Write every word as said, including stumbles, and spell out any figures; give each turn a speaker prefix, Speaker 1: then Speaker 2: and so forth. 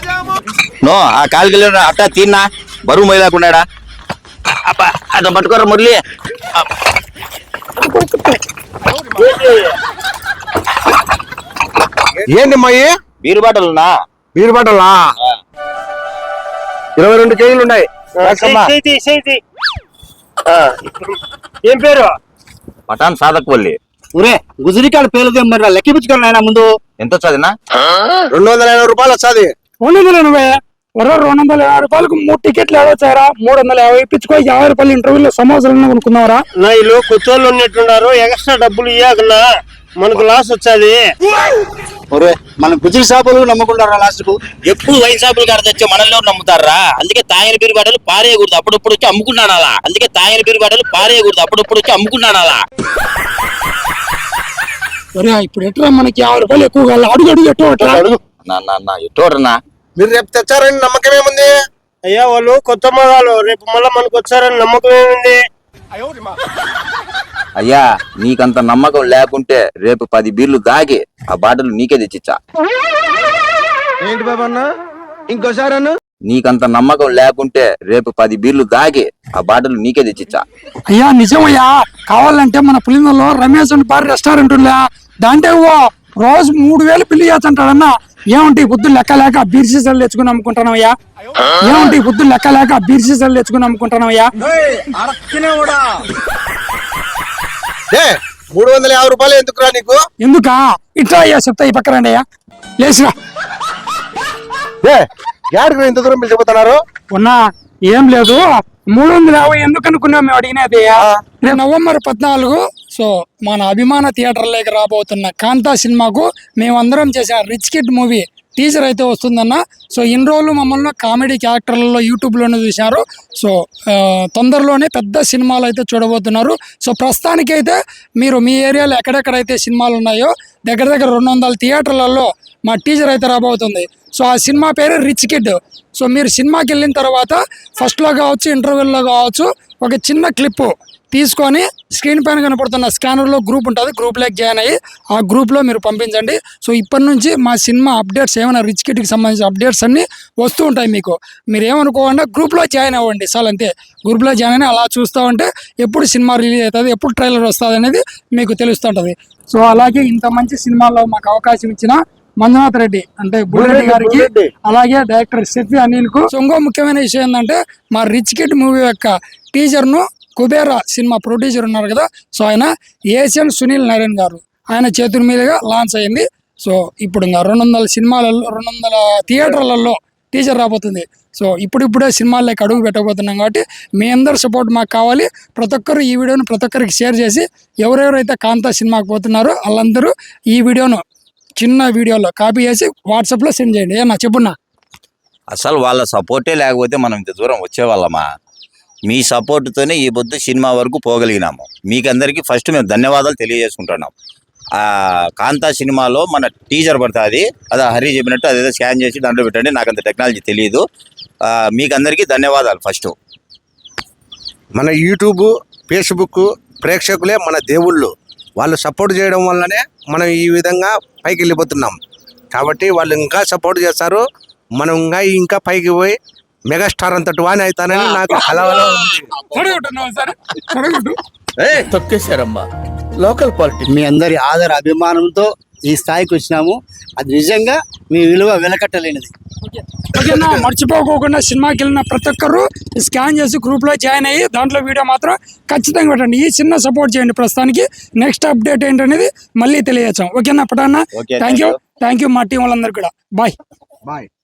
Speaker 1: No ఆ కాలికి అట్టా తిన్నా బరువు మొయ్యలేకున్నాడా అబ్బా అట్లా పట్టుకోరా మురళి.
Speaker 2: ఏంటి అమ్మాయి
Speaker 1: బీరు బాటలున్నా
Speaker 2: బీరు బాటలా ఇరవై రెండు కేజీలు ఉన్నాయి.
Speaker 3: ఏం పేరు?
Speaker 1: పటాన్ సాధక్ వల్లి.
Speaker 3: ఊరే గుజరికాడ పేరుదే మరి లెక్కిపించుకోండి ఆయన ముందు.
Speaker 1: ఎంత వచ్చాదినా?
Speaker 2: రెండు వందల ఎనభై రూపాయలు వచ్చాది.
Speaker 3: రెండు వందల ఎనభై రెండు వందల యాభై రూపాయలకు మూడు టికెట్లు ఏడవచ్చారా? మూడు వందల యాభై ఇప్పించుకో. యాభై రూపాయలు ఇంటర్వ్యూలో సమాచారం కొనుక్కున్నారా?
Speaker 4: నా ఇల్లు కొత్తోళ్ళు ఉన్నట్టున్నారు. ఎక్స్ట్రా డబ్బులు ఇయ్యాకన్నా మనకు లాస్ వచ్చాది.
Speaker 3: మన గుజరి షాపులు నమ్ముకుంటారా? లాస్ట్ కు
Speaker 1: ఎప్పుడు వైన్ షాపులు కాడ తెచ్చే మనల్లో నమ్ముతారా? అందుకే తాయన బీరు బాటలు పారేయకూడదు, అప్పుడప్పుడు వచ్చి అమ్ముకున్నాను అలా. అందుకే తాయన బీరు బాటలు పారేయకూడదు, అప్పుడప్పుడు వచ్చి అమ్ముకున్నాను అలా.
Speaker 3: ఇప్పుడు ఎట్లా మనకి యాభై రూపాయలు ఎక్కువ కావాలి. అడుగు అడుగు ఎట్టు
Speaker 1: ఎట్టోడన్నా
Speaker 2: మీరు రేపు తెచ్చారని నమ్మకం ఏముంది?
Speaker 4: అయ్యా వాళ్ళు కొత్త మొగాలు రేపు మళ్ళా మనకు వచ్చారని నమ్మకం ఏముంది?
Speaker 1: అయ్యా నీకంత నమ్మకం లేకుంటే రేపు పది బీర్లు దాగి ఆ బాటలు నీకే తెచ్చిచ్చా.
Speaker 2: ఏంటి బాబా అన్న ఇంకోసారి అన్న
Speaker 1: నీకంత నమ్మకం లేకుంటే రేపు పది బీర్లు దాగి ఆ బాటలు నీకే తెచ్చిచ్చా.
Speaker 3: అయ్యా నిజమయ్యా. కావాలంటే మన పులిందలో రమేష్ అని బార్ రెస్టారెంట్ ఉందా, దాంట్లో రోజు మూడు వేలు పిల్లి చేస్తుంటాడన్నా. ఏమంటే పొద్దు లెక్క లేక బీర్ సీసాలు తెచ్చుకుని అమ్ముకుంటున్నావయ్యా? ఏమంటే పొద్దు లెక్క లేక బీర్ సీసాలు తెచ్చుకుని అమ్ముకుంటున్నావయ్యా?
Speaker 2: మూడు వందల యాభై రూపాయలు ఎందుకురా నీకు?
Speaker 3: ఎందుకా? ఇట్లా అయ్యా చెప్తా, ఈ పక్కన రండి అయ్యా. లేచిరా.
Speaker 2: యాడికి ఇంత దూరం మీరు చెబుతున్నారు?
Speaker 3: ఉన్నా ఏం లేదు. మూడు వందల యాభై ఎందుకు అనుకున్నాం మేము అడిగినది. రేపు నవంబర్ పద్నాలుగు సో మన అభిమాన థియేటర్లోకి రాబోతున్న కాంతా సినిమాకు మేమందరం చేసిన రిచ్ కిడ్ మూవీ టీజర్ అయితే వస్తుందన్న. సో ఇన్ని రోజులు మమ్మల్ని కామెడీ క్యారెక్టర్లలో యూట్యూబ్లోనే చూసినారు. సో తొందరలోనే పెద్ద సినిమాలు అయితే చూడబోతున్నారు. సో ప్రస్తుతానికైతే మీరు మీ ఏరియాలో ఎక్కడెక్కడైతే సినిమాలు ఉన్నాయో దగ్గర దగ్గర రెండు వందల థియేటర్లలో మా టీజర్ అయితే రాబోతుంది. సో ఆ సినిమా పేరు రిచ్ కిడ్. సో మీరు సినిమాకి వెళ్ళిన తర్వాత ఫస్ట్లో కావచ్చు, ఇంటర్వెల్లో కావచ్చు, ఒక చిన్న క్లిప్పు తీసుకొని స్క్రీన్ పైన కనపడుతున్న స్కానర్లో గ్రూప్ ఉంటుంది, గ్రూప్లోకి జాయిన్ అయ్యి ఆ గ్రూప్లో మీరు పంపించండి. సో ఇప్పటి నుంచి మా సినిమా అప్డేట్స్ ఏమైనా రిచ్ కిడ్కి సంబంధించిన అప్డేట్స్ అన్నీ వస్తూ ఉంటాయి మీకు. మీరు ఏమనుకోకుండా గ్రూప్లో జాయిన్ అవ్వండి చాలు, అంతే. గ్రూప్లో జాయిన్ అని అలా చూస్తూ ఉంటే ఎప్పుడు సినిమా రిలీజ్ అవుతుంది, ఎప్పుడు ట్రైలర్ వస్తుంది అనేది మీకు తెలుస్తుంటుంది. సో అలాగే ఇంత మంచి సినిమాల్లో మాకు అవకాశం ఇచ్చిన మంజునాథ్ రెడ్డి అంటే బుల్రెడ్డి గారికి, అలాగే డైరెక్టర్ షెఫీ అనిల్ కు. సో ఇంకో ముఖ్యమైన విషయం ఏంటంటే మా రిచ్ కిడ్ మూవీ యొక్క టీజర్ ను కుబేరా సినిమా ప్రొడ్యూసర్ ఉన్నారు కదా, సో ఆయన ఏషియన్ సునీల్ నారాయణ గారు ఆయన చేతుల మీదుగా లాంచ్ అయింది. సో ఇప్పుడు ఇంకా రెండు వందల సినిమాలలో రెండు వందల థియేటర్లలో టీజర్ రాబోతుంది. సో ఇప్పుడిప్పుడే సినిమాల్లోకి అడుగు పెట్టబోతున్నాం కాబట్టి మీ అందరి సపోర్ట్ మాకు కావాలి. ప్రతి ఒక్కరు ఈ వీడియోను ప్రతి ఒక్కరికి షేర్ చేసి ఎవరెవరైతే కాంతా సినిమాకి పోతున్నారో వాళ్ళందరూ ఈ వీడియోను చిన్న వీడియోలో కాపీ చేసి వాట్సాప్లో సెండ్ చేయండి. ఏమన్నా చెప్పున్నా?
Speaker 1: అసలు వాళ్ళ సపోర్టే లేకపోతే మనం ఇంత దూరం వచ్చేవాళ్ళమా? మీ సపోర్ట్తోనే ఈ పొద్దు సినిమా వరకు పోగలిగినాము. మీకందరికీ ఫస్ట్ మేము ధన్యవాదాలు తెలియజేసుకుంటున్నాం. కాంతా సినిమాలో మన టీజర్ పడుతుంది, అదే హరి చెప్పినట్టు అదేదో స్కాన్ చేసి దాంట్లో పెట్టండి. నాకు అంత టెక్నాలజీ తెలియదు. మీకందరికీ ధన్యవాదాలు. ఫస్ట్
Speaker 2: మన యూట్యూబ్, ఫేస్బుక్ ప్రేక్షకులే మన దేవుళ్ళు. వాళ్ళు సపోర్ట్ చేయడం వల్లనే మనం ఈ విధంగా పైకి వెళ్ళిపోతున్నాం. కాబట్టి వాళ్ళు ఇంకా సపోర్ట్ చేస్తారు. మనం ఇంకా ఇంకా పైకి పోయి మెగాస్టార్ అంతటి వాని అవుతానని నాకు కలవలో
Speaker 5: తొక్కేశారమ్మా లోకల్ పాలిటిక్స్.
Speaker 6: మీ అందరి ఆదర అభిమానంతో ఈ స్థాయికి వచ్చినాము. అది నిజంగా మీ విలువ వెలకట్టలేనిది.
Speaker 3: ఓకేనా? మర్చిపోకోకుండా సినిమాకి వెళ్ళిన ప్రతి ఒక్కరు స్కాన్ చేసి గ్రూప్లో జాయిన్ అయ్యి దాంట్లో వీడియో మాత్రం ఖచ్చితంగా పెట్టండి. ఈ చిన్న సపోర్ట్ చేయండి. ప్రస్తుతానికి నెక్స్ట్ అప్డేట్ ఏంటనేది మళ్ళీ తెలియజేస్తాం. ఓకేనా పటాన్న? థ్యాంక్ యూ థ్యాంక్ యూ మా టీం వాళ్ళందరికీ కూడా. Bye
Speaker 2: bye.